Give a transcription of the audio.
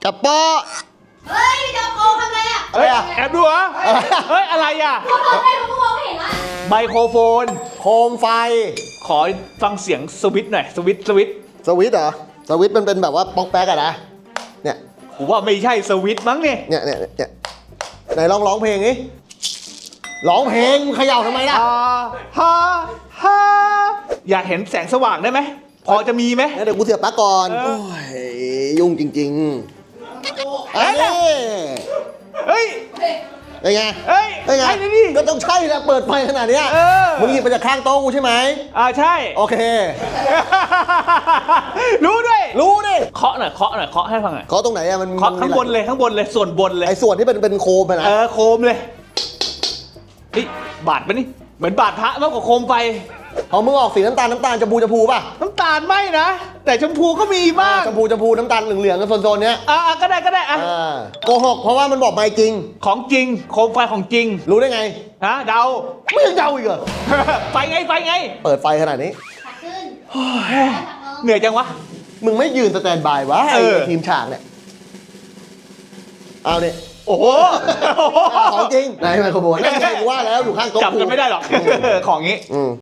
จับปอเฮ้ยจะโกงทำไรอ่ะอะไรอ่ะแอบดูเหรอเฮ้ยอะไรอ่ะพวกเราให้พวกมองไม่เห็นละไมโครโฟนโคมไฟขอฟังเสียงสวิตช์หน่อยสวิตช์สวิตช์เหรอสวิตช์มันเป็นแบบว่าป๊อกแป๊กอะนะเนี่ยผมว่าไม่ใช่สวิตช์มั้งเนี่ยเนี่ยไหนลองร้องเพลงนี้ร้องเพลงเขย่าทำไมล่ะฮ่าฮ่าอยากเห็นแสงสว่างได้ไหมพอจะมีไหมเดี๋ยวกูเสียบปลั๊กก่อนเออโอ้ยยุ่งจริงๆเอ้ยเฮ้ยเป็นไงเฮ้ยเป็นไงใช่เลยดิก็ต้องใช่แหละเปิดไฟขนาดเนี้ยเออมึงหยิบมาจากข้างโต๊ะกูใช่ไหมใช่โอเครู้ด้วยรู้ดิเคาะหน่อยเคาะหน่อยเคาะให้ฟังหน่อยเขาตรงไหนอะมันเคาะข้างบนเลยข้างบนเลยส่วนบนเลยไอ้ส่วนที่เป็นโคมอะนะโคมเลยเฮ้ยบาดปะนี่เหมือนบาดพระมากกว่าโคมไฟของมึงออกสีน้ำตาลชมพูป่ะน้ำตาลไม่นะ แต่ชมพูก็มีบ้างชมพูน้ำตาลเหลืองๆกันโซนๆเนี้ยก็ได้อ่ะโกหกเพราะว่ามันบอกไม่จริงของจริงโคมไฟของจริงรู้ได้ไงฮะเดาไม่ยังเดาอีกเหรอไฟไงเปิดไฟขนาดนี้ขัดขึ้นเหนื่อยจังวะมึงไม่ยืนสแตนบายวะไอ้เออทีมฉากเนี่ยเอาเนี่ยโอ้โหของจริงไหนไมโครโฟนนั่นไงกูว่าแล้วอยู่ข้างโต๊ะจับกันไม่ได้หรอก ของงี้อืม